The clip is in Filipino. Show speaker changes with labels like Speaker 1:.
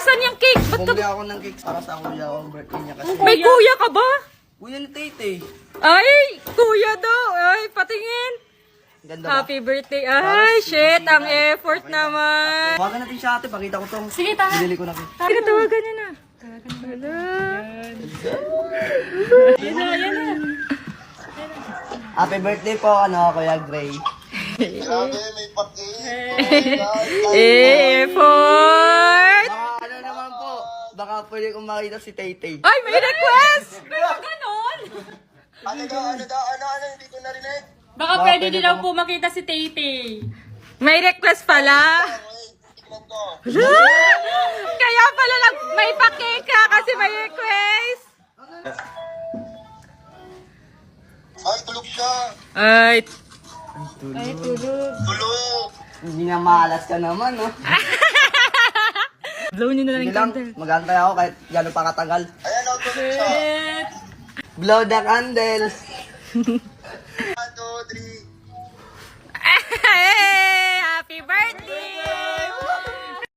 Speaker 1: Asan yung cake? Ba't ka...
Speaker 2: Bumili ako ng cake para sa kuya ko. Ang birthday niya kasi.
Speaker 1: May kuya ka ba?
Speaker 2: Kuya ni Tete.
Speaker 1: Ay, kuya daw. Ay, patingin.
Speaker 2: Ganda ba?
Speaker 1: Happy birthday. Ay, shit. Ang effort naman.
Speaker 2: Tawagan natin siya ate. Pakita ko tong.
Speaker 1: Sige, tara.
Speaker 2: Binili ko na cake.
Speaker 1: Sige, tawagan niya na. Wala. Yan na.
Speaker 2: Happy birthday po, ano, Kuya Gray.
Speaker 3: Grabe, may pati.
Speaker 1: Effort.
Speaker 2: Baka ano naman po, baka pwede kong makita si Tete.
Speaker 1: Ay, may request. Pero ganon.
Speaker 3: Ano, hindi ko narinig.
Speaker 1: Baka pwede din daw po makita si Tete. May request pala.
Speaker 3: Wait, tignan ko.
Speaker 1: Kaya pala lang may pa-cake ka kasi may request.
Speaker 3: Ay, tulog siya.
Speaker 1: Ay,
Speaker 3: Tulog.
Speaker 2: Hindi na maalas ka naman, no?
Speaker 1: blow niyo na lang
Speaker 2: Hindi
Speaker 1: yung
Speaker 2: lang,
Speaker 1: candle.
Speaker 2: mag-antay ako kahit gano'n pa katagal.
Speaker 3: Ayan, tulog siya.
Speaker 1: Shit.
Speaker 2: Blow the candle.
Speaker 3: 1, 2, 3.